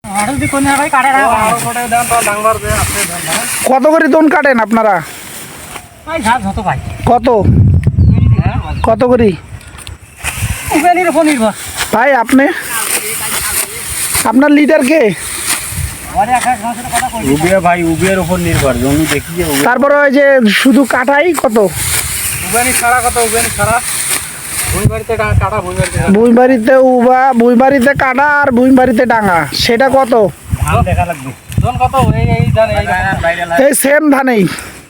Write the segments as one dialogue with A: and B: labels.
A: কত করে দোন কাটেন আপনারা? কত কত করে ভাই? আপনি আপনার লিডার কে?
B: ভাই উবের উপর নির্ভর জমি দেখি।
A: তারপরে ওই যে শুধু কাটাই কত? ভুঁইবাড়িতে উবা, ভুঁইবাড়িতে কাটা আর ভুঁইবাড়িতে ডাঙা, সেটা কত? এই সেম ধানেই।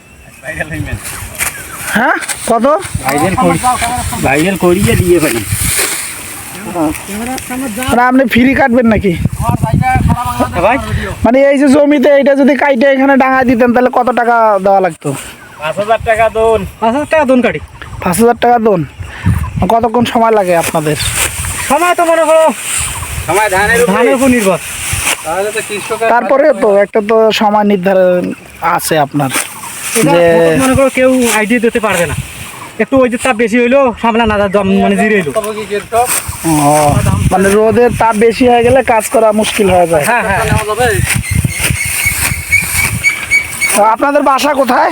A: হ্যাঁ কত?
B: ভাইরাল করিয়ে দিয়ে ফেলি।
A: মানে আপনি ফ্রি কাটবেন নাকি? মানে এই যে জমিতে এইটা যদি কাইটে এখানে ডাঙা দিতেন তাহলে কত টাকা দেওয়া লাগতো?
B: 5,000 টাকা দোন।
C: 5,000 টাকা দোন কাটি।
A: 5,000 টাকা দোন। কতক্ষণ সময় লাগে আপনাদের?
C: সময় তো মনে করো
B: সময় ধানের
C: উপর নির্ভর।
A: তারপরে তো একটা তো সময় নির্ধারণ আছে আপনার, যে
C: মনে করো কেউ আইডিয়া দিতে পারবে না, একটু ওই যে তাপ বেশি হইলো সামলা না মানে জিরে এলো।
A: মানে রোদের তাপ বেশি হয়ে গেলে কাজ করা মুশকিল হয়ে যায়।
C: হ্যাঁ হ্যাঁ।
A: তো আপনাদের বাসা কোথায়?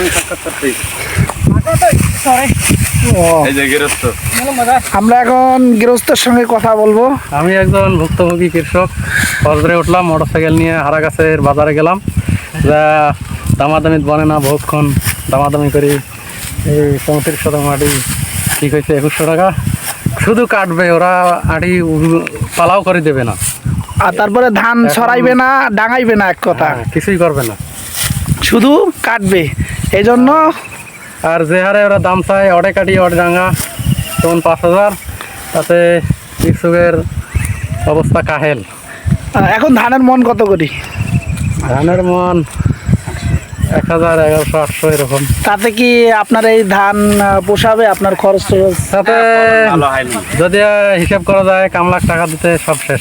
A: আমরা এখন গৃহস্থের সঙ্গে কথা বলবো।
C: আমি একজন ভুক্তভোগী কৃষক। ফজরে উঠলাম, মোটরসাইকেল নিয়ে হারাগাছের বাজারে গেলাম, যা দামাদামি বনে না, বহুক্ষণ দামাদামি করি। এই 34 মাটি ঠিক হয়েছে 2100 টাকা। শুধু কাটবে ওরা, আড়ি পালাও করে দেবে না।
A: আর তারপরে ধান ছড়াইবে না, ডাঙাইবে না, এক কথা
C: কিছুই করবে না,
A: শুধু কাটবে। এই জন্য
C: আর যে হারে ওরা দাম চায়, অডে কাটি অডে ডাঙা, তখন 5,000, তাতে কৃষকের অবস্থা কাহেল।
A: এখন ধানের মন কত করি?
C: ধানের মন 1,000, 1,100, 800 এরকম।
A: তাতে কি আপনার এই ধান পোষাবে? আপনার খরচ টরচ
C: তাতে যদি হিসাব করা যায়, কাম লাখ টাকা দিতে সব শেষ।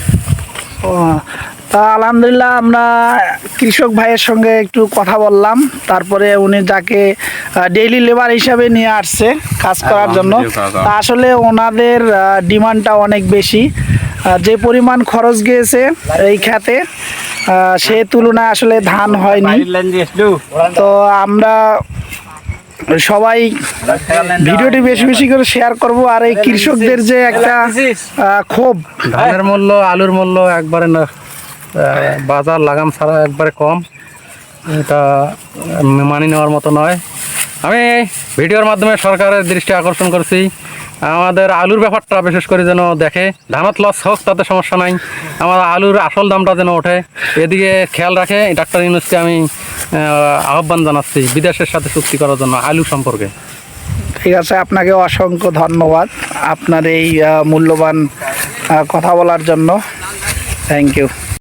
A: তা আলহামদুলিল্লাহ, আমরা কৃষক ভাইয়ের সঙ্গে একটু কথা বললাম। তারপরে উনি যাকে ডেইলি লেবার হিসাবে নিয়ে আসছে কাজ করার জন্য, তা আসলে ওনাদের ডিমান্ডটা অনেক বেশি। যে পরিমাণ খরচ গিয়েছে এই খেতে, সে তুলনায় আসলে ধান হয়নি। তো আমরা সবাই ভিডিওটি বেশি বেশি করে শেয়ার করব। আর এই কৃষকদের যে একটা ক্ষোভ,
C: ধানের মূল্য, আলুর মূল্য একবারে না, বাজার লাগাম ছাড়া একবারে কম, এটা মানি নেওয়ার মতো নয়। আমি ভিডিওর মাধ্যমে সরকারের দৃষ্টি আকর্ষণ করছি, আমাদের আলুর ব্যাপারটা বিশেষ করে যেন দেখে। ধানত লস হোক তাতে সমস্যা নাই, আমার আলুর আসল দামটা যেন ওঠে, এদিকে খেয়াল রাখে। ডাক্তার ইউনূসকে আমি আহ্বান জানাচ্ছি বিদেশের সাথে চুক্তি করার জন্য আলু সম্পর্কে।
A: ঠিক আছে, আপনাকে অসংখ্য ধন্যবাদ আপনার এই মূল্যবান কথা বলার জন্য। Thank you.